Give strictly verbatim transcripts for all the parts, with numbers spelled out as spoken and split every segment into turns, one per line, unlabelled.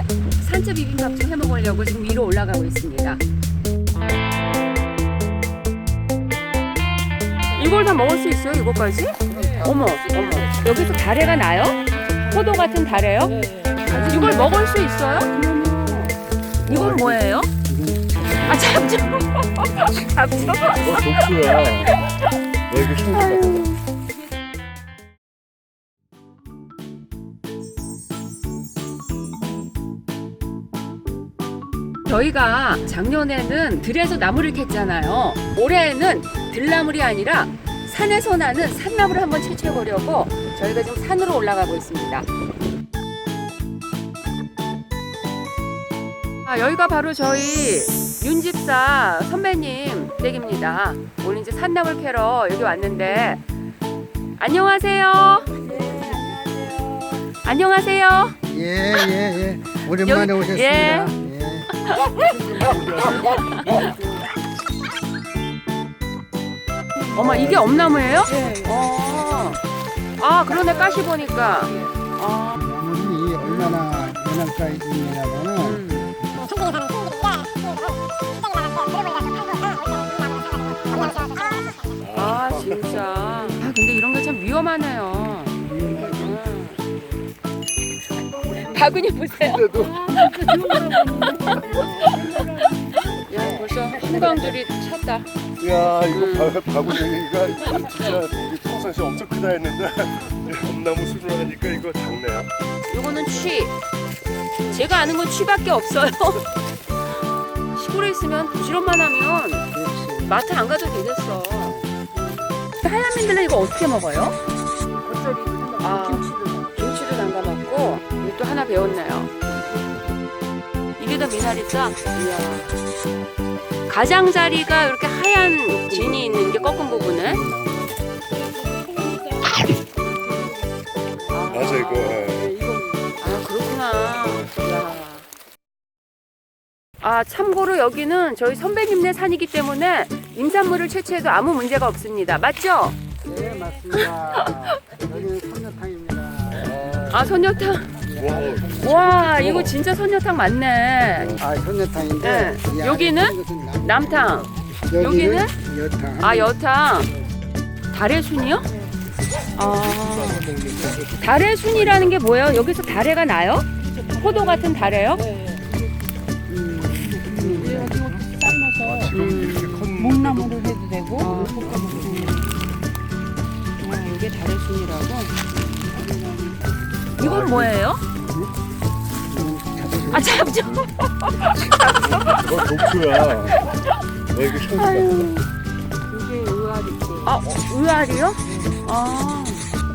산채 비빔밥 좀 해 먹으려고 지금 위로 올라가고 있습니다. 이걸 다 먹을 수 있어요? 이거까지? 어머, 어머. 여기서 다래가 나요? 포도 같은 다래요? 이걸 먹을 수 있어요? 이건 뭐예요? 아, 잡초. 잡초.
이거 독수야. 너 이거 힘들다.
저희가 작년에는 들에서 나무를 캤잖아요. 올해는 들나물이 아니라 산에서 나는 산나물을 한번 채취해 보려고 저희가 지금 산으로 올라가고 있습니다. 아, 여기가 바로 저희 윤집사 선배님 댁입니다. 오늘 이제 산나물 캐러 여기 왔는데 안녕하세요. 안녕하세요.
예, 예, 예. 오랜만에
여기-
오셨습니다.
예.
예.
어머, 이게 엄나무예요? 네. 어. 아, 그러네, 가시 보니까. 아.
나물이 얼마나 연한가 있냐면은
음. 아, 진짜. 아, 근데 이런 게 참 위험하네요. 음. 바구니 보세요. 야, 벌써 한강줄이 찼다.
야 이거 바- 바구니가 진짜 우리 평상시에 엄청 크다 했는데 엄나무 수를 하니까 이거 작네요.
요거는 취. 제가 아는 건 취밖에 없어요. 시골에 있으면 부지런만 하면 마트 안 가도 되겠어. 하얀민들은 이거 어떻게 먹어요? 아, 김치를 담가 먹고 이거 또 하나 배웠네요. 이게 더 미나리죠? 이야. 가장자리가 이렇게 하얀 진이 있는 게 꺾은 부분에.
맞아 이거.
아, 그렇구나. 이야. 아, 참고로 여기는 저희 선배님네 산이기 때문에 임산물을 채취해도 아무 문제가 없습니다. 맞죠?
네, 맞습니다. 여기는 삼계탕입니다.
아, 선녀탕.
와,
와, 이거 진짜 선녀탕 맞네.
아, 현대탕인데
네.
이 안에
여기는
있는 것은 남-
남탕.
여기는
여기는?
여탕.
아, 여탕. 달래순이요? 아, 달래순이라는 게 뭐예요? 여기서 달래가 나요? 포도 같은 달래요?
아, 지금 이렇게 큰
목나무를 해도 되고
아, 아, 이게 달래순이라고? 이건 뭐예요? 아, 잡초.
이거 독수야. 너 이거 힘들다.
이게 의아리지.
아, 의아리요? 아,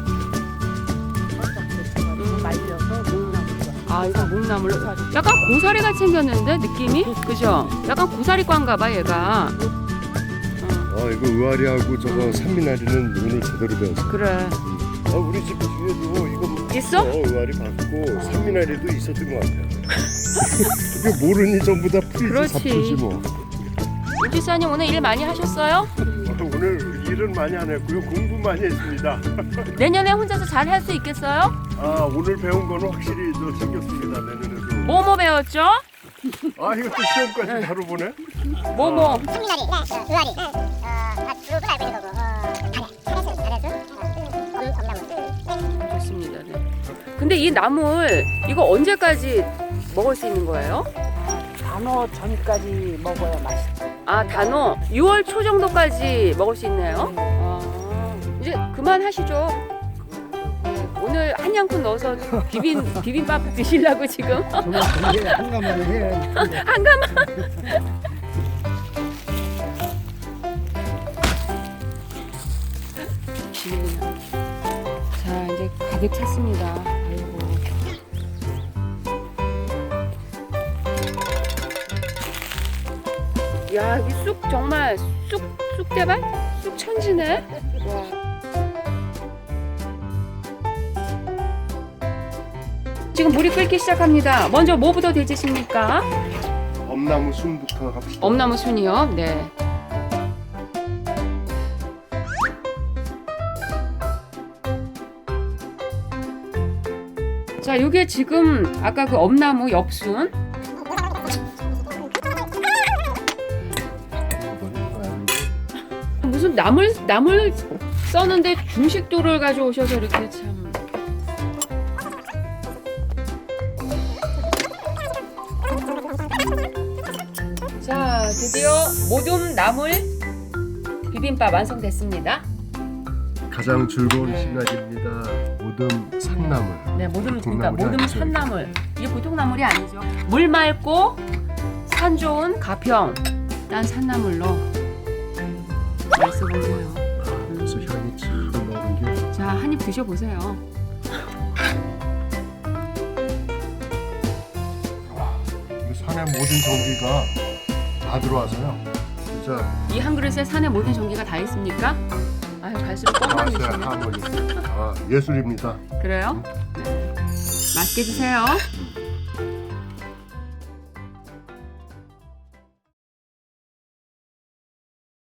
말려서 목나무가.
아, 이거 목나물로. 약간 고사리 같이 생겼는데, 느낌이? 그죠? 약간 고사리과인가 봐, 얘가. 어,
아 이거 의아리하고 저거 산미나리는 오늘 제대로 배웠어.
그래.
아 우리 집 뒤에도 이거
있어?
어, 의아리 봤고 산미나리도 있었던 것 같아요. 이게 모르니 전부 다 풀이지
그렇지.
잡초지 뭐.
윤지사님 오늘 일 많이 하셨어요?
아, 오늘 일은 많이 안 했고요. 공부 많이 했습니다.
내년에 혼자서 잘 할 수 있겠어요?
아 오늘 배운 거는 확실히 저 챙겼습니다. 내년에도.
뭐뭐 배웠죠?
아 이것도 시험까지 바로 보네.
뭐뭐.
성미나리, 의아리, 어, 밭으로도 알고 있는 거고, 어, 다래, 다래수, 다래수, 어, 엄, 엄나무.
좋습니다. 네. 근데 이 나물 이거 언제까지 먹을 수 있는 거예요?
단어 전까지 먹어야 맛있지.
아, 단오 유월 초 정도까지 먹을 수 있네요. 아, 이제 그만하시죠. 네, 오늘 한 양푼 넣어서 비빔 비빔밥 드시려고 지금
정말 이게 한가마를 해야 되는데.
한가만. 자, 이제 가득 찼습니다. 아이고. 야, 이 쑥 정말 쑥 쑥대밭? 쑥 천지네. 와. 지금 물이 끓기 시작합니다. 먼저 뭐부터 데치십니까?
엄나무 순부터 합시다.
엄나무 순이요. 네. 자, 이게 지금 아까 그 엄나무 엽순. 무슨 나물 나물 써는데 중식도를 가져오셔서 이렇게 참. 자, 드디어 모둠 나물 비빔밥 완성됐습니다.
가장 즐거운
네.
시간입니다. 모듬 산나물.
네, 모둠
보통
그러니까
나물이
모둠
아니죠.
산나물. 이게 보통 나물이 아니죠. 물 맑고 산 좋은 가평 딴 산나물로 맛있어 보세요.
그래서 향이 지금 나오는 게
자, 한 입 드셔 보세요.
이 산의 모든 전기가 다 들어와서요. 진짜
이 한 그릇에 산의 모든 전기가 다 있습니까? 아유, 갈수록 뻥만
맛의
드시네.
하모니. 아, 예술입니다.
그래요? 네. 맛있게 드세요.